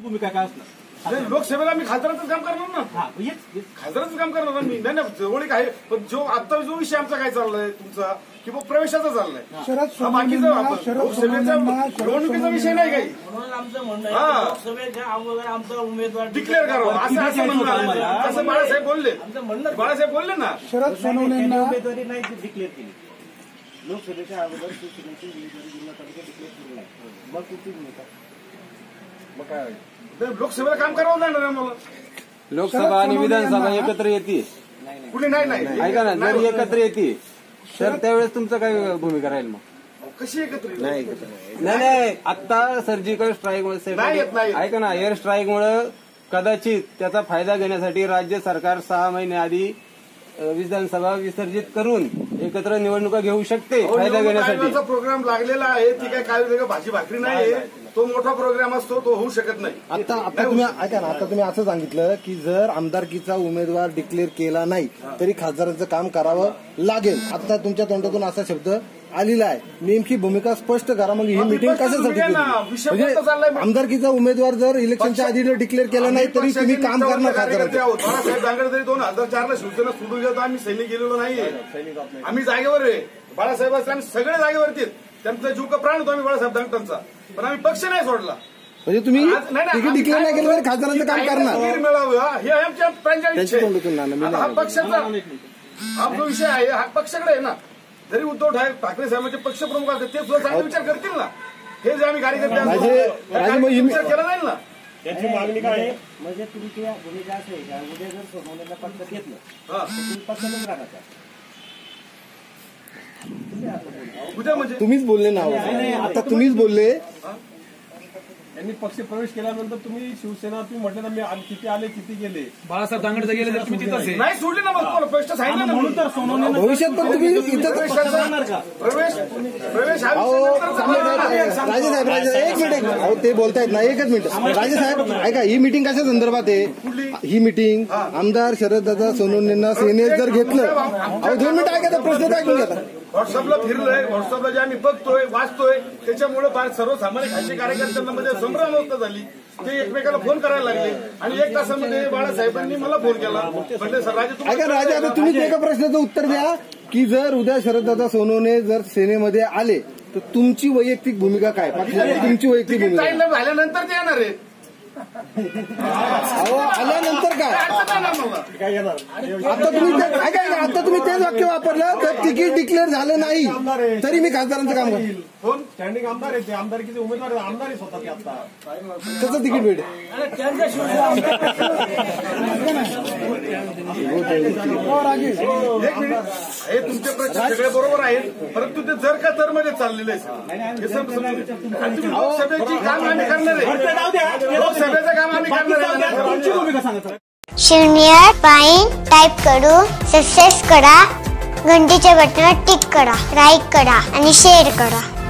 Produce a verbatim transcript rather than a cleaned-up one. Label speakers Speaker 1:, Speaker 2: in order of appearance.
Speaker 1: भूमिका काय असणार?
Speaker 2: लोकसेवेला मी खासदाराचं काम करणार ना, खासदाराचं काम करणार ना मी. नाही नाही जवळीक आहे, पण जो आता जो विषय आमचा काय चाललाय तुमचा किंवा प्रवेशाचा चाललाय, बाकीचा लोकसेवेचा निवडणुकीचा विषय नाही काही.
Speaker 3: म्हणून आमचं म्हणणं आहे लोकसभेच्या अगोदर आमचा उमेदवार
Speaker 2: डिक्लेअर करावं असं असं म्हणणं. असं बाळासाहेब बोलले, बाळासाहेब बोलले ना.
Speaker 1: शरद सोनवणेंना उमेदवारी नाही डिक्लेअर केली लोकसभेच्या अगोदर, शिवसेनेची उमेदवारी जिल्हा तालुक्यात डिक्लेअर केली नाही, मग कुठली भूमिका?
Speaker 2: मग काय लोकसभेला काम करावं लागणार आहे मला.
Speaker 4: लोकसभा आणि विधानसभा एकत्र येते
Speaker 2: कुठे नाही नाही
Speaker 4: ऐका ना, जर एकत्र येते तर त्यावेळेस तुमचं काय भूमिका राहील? मग
Speaker 2: कशी एकत्र
Speaker 4: नाही नाही आता सर्जिकल स्ट्राईक मुळे ऐका ना, एअर स्ट्राईक मुळे कदाचित त्याचा फायदा घेण्यासाठी राज्य सरकार सहा महिने आधी विधानसभा विसर्जित करून एकत्र निवडणुका घेऊ शकते फायदा घेण्यासाठी.
Speaker 2: प्रोग्राम लागलेला आहे, ती काय काय भाजी भाकरी नाही, तो मोठा प्रोग्राम असतो, तो होऊ शकत नाही.
Speaker 5: आता आता तुम्ही ऐका ना, आता तुम्ही असं सांगितलं की जर आमदारकीचा उमेदवार डिक्लेअर केला नाही तरी खासदारांचं काम करावं लागेल. आता तुमच्या तोंडातून असा शब्द आलेला आहे, नेमकी भूमिका स्पष्ट करा. मग ही मिटिंग कशासाठी केली? म्हणजे आमदारकीचा उमेदवार जर इलेक्शनच्या आधी डिक्लेअर केला नाही तरी तुम्ही काम करणार खासदारांचं?
Speaker 2: बाळासाहेब दांगडे तरी दोन हजार चारला शिवसेना सोडून गेलो, आम्ही सैनिक गेलेलो नाहीये. आम्ही जागेवर आहे, बाळासाहेब आम्ही सगळे जागेवरती, त्यांचा जीव का प्राण होतो आम्ही बाळासाहेब दांगटांचा, पण आम्ही पक्ष नाही सोडला.
Speaker 5: म्हणजे तुम्ही डिक्लेअर नाही केलं तरी खासदारांचं काम करणार
Speaker 2: मिळावं हे आमच्या हा पक्षाचा हा जो विषय आहे हा पक्षाकडे आहे ना. जरी उद्धव ठाकरे साहेबांचे पक्षप्रमुख असतात ते सुद्धा चांगले विचार करतील ना. हे जे आम्ही कार्यकर्ते विचार केला जाईल ना.
Speaker 1: त्याची मागणी काय आहे? म्हणजे तुमची भूमिका असं आहे का, उद्या जर सोनवणेंना पक्षात घेतलं तर तुम्ही पक्षातच राहता?
Speaker 2: उद्या म्हणजे
Speaker 5: तुम्हीच बोलले ना, आता तुम्हीच बोलले.
Speaker 6: यांनी पक्ष प्रवेश केल्यानंतर तुम्ही शिवसेना तुम्ही म्हटलं ना, मी किती आले किती गेले,
Speaker 4: बाळासाहेब दांगडे गेले तर तुम्ही तिथंच
Speaker 2: नाही सोडली ना. मग स्पष्ट सांगितलं ना, म्हणून तर सोनवणे
Speaker 5: भविष्यात पण तुम्ही इथं
Speaker 2: प्रवेश प्रवेश
Speaker 5: राजे साहेब राजे एक मिनिट अहो ते बोलतायत ना, एकच मिनिट राजे साहेब ऐका, ही मिटिंग कशा संदर्भात आहे? ही मिटिंग आमदार शरददादा सोनवणेंना सेनेत जर घेतलं, अहो दोन मिनिट ऐका, प्रश्न ऐकून घेता.
Speaker 2: व्हॉट्सअपला फिरलोय, व्हॉट्सअपला जे आम्ही बघतोय वाचतोय त्याच्यामुळे फार सर्वसामान्य खासगी कार्यकर्त्यांमध्ये संभ्रम अवस्था झाली. ते एकमेकाला फोन करायला लागले आणि एक तासामध्ये बाळासाहेबांनी मला फोन केला. म्हणजे सर राजे
Speaker 5: ऐका राजे, आता तुम्हीच एका प्रश्नाचं उत्तर द्या की जर उद्या शरददादा सोनवणे जर सेनेमध्ये आले तर तुमची वैयक्तिक भूमिका काय? तुमची वैयक्तिक भूमिका
Speaker 2: झाल्यानंतर ते येणार आहे.
Speaker 5: अहो आल्यानंतर काय आता तुम्ही ऐका आता तुम्ही तेच वाक्य वापरलं तर तिकीट डिक्लेअर झालं नाही तरी मी खासदारांचं काम करेन.
Speaker 6: कोण स्टँडिंग आमदार आहे, ते आमदारकीचे उमेदवार आमदार स्वतः आता
Speaker 5: त्याचं तिकीट भेटेल.
Speaker 2: हे तुमचे प्रश्न सगळे बरोबर आहेत, परंतु ते जर का तर मध्ये चाललेलं आहे. लोकसभेची काम आम्ही करणार आहे, लोकसभेचं काम आम्ही करणार आहे.
Speaker 7: शून्य पाईन टाईप करून सक्सेस करा, घंटीच्या बटनावर टिक करा, लाईक करा आणि शेअर करा.